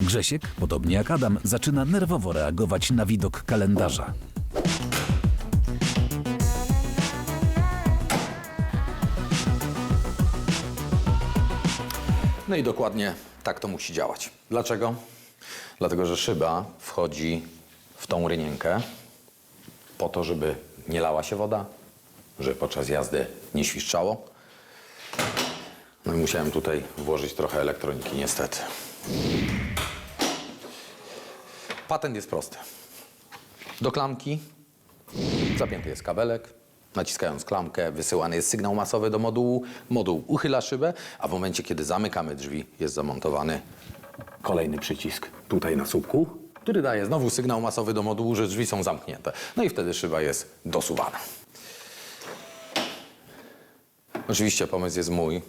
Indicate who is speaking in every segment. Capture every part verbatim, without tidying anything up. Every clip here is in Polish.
Speaker 1: Grzesiek, podobnie jak Adam, zaczyna nerwowo reagować na widok kalendarza.
Speaker 2: No i dokładnie tak to musi działać. Dlaczego? Dlatego, że szyba wchodzi w tą rynienkę po to, żeby nie lała się woda, żeby podczas jazdy nie świszczało. No i musiałem tutaj włożyć trochę elektroniki, niestety. Patent jest prosty. Do klamki zapięty jest kabelek. Naciskając klamkę, wysyłany jest sygnał masowy do modułu. Moduł uchyla szybę, a w momencie, kiedy zamykamy drzwi, jest zamontowany kolejny przycisk tutaj na słupku, który daje znowu sygnał masowy do modułu, że drzwi są zamknięte. No i wtedy szyba jest dosuwana. Oczywiście pomysł jest mój,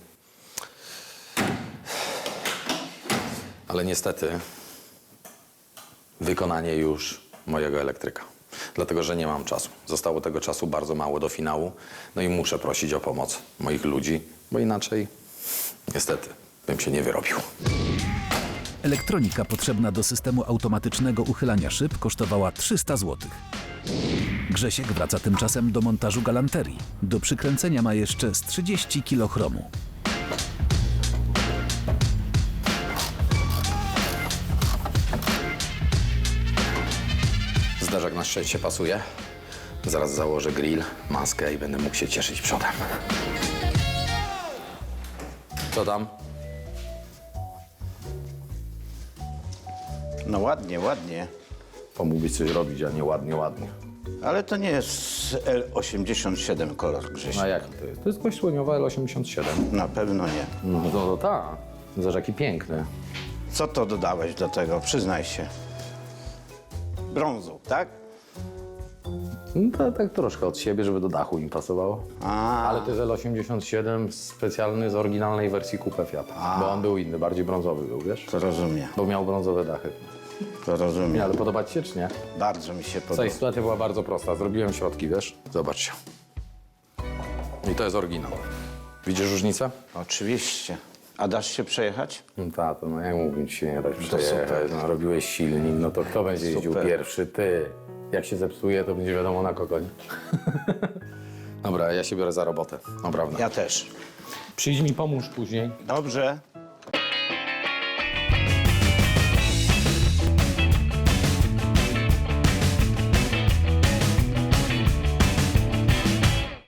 Speaker 2: ale niestety wykonanie już mojego elektryka. Dlatego, że nie mam czasu. Zostało tego czasu bardzo mało do finału. No i muszę prosić o pomoc moich ludzi, bo inaczej niestety bym się nie wyrobił.
Speaker 1: Elektronika potrzebna do systemu automatycznego uchylania szyb kosztowała trzysta złotych. Grzesiek wraca tymczasem do montażu galanterii. Do przykręcenia ma jeszcze z trzydzieści kilo chromu.
Speaker 2: Zderzak na szczęście pasuje. Zaraz założę grill, maskę i będę mógł się cieszyć przodem. Co tam?
Speaker 3: No ładnie, ładnie.
Speaker 2: Pomógłbyś coś robić, a nie ładnie, ładnie.
Speaker 3: Ale to nie jest L osiemdziesiąt siedem kolor, Grześ.
Speaker 2: A jak to jest? To jest kość słoniowa L osiemdziesiąt siedem.
Speaker 3: Na pewno nie.
Speaker 2: No to, to tak. Zobacz, jaki piękny.
Speaker 3: Co to dodałeś do tego? Przyznaj się. Brązu, tak?
Speaker 2: No to tak troszkę od siebie, żeby do dachu im pasowało.
Speaker 3: A,
Speaker 2: Ale to jest L osiemdziesiąt siedem specjalny z oryginalnej wersji Coupe Fiata. Bo on był inny, bardziej brązowy był, wiesz?
Speaker 3: to rozumiem,
Speaker 2: Bo miał brązowe dachy.
Speaker 3: to
Speaker 2: Nie,
Speaker 3: rozumiem.
Speaker 2: ale podoba ci się, czy nie?
Speaker 3: Bardzo mi się
Speaker 2: Słuchaj,
Speaker 3: podoba.
Speaker 2: sytuacja była bardzo prosta. Zrobiłem środki, wiesz? Zobaczcie. I to jest oryginał. Widzisz różnicę?
Speaker 3: Oczywiście. A dasz się przejechać?
Speaker 2: No tak, no jak mówić się nie dać
Speaker 3: super.
Speaker 2: przejechać. No, robiłeś silnik, no to kto będzie jeździł
Speaker 3: Super.
Speaker 2: pierwszy? Ty. Jak się zepsuje, to będzie wiadomo na kogo, nie? Dobra, ja się biorę za robotę. Naprawdę.
Speaker 3: Ja też.
Speaker 2: Przyjdź mi pomóż później.
Speaker 3: Dobrze.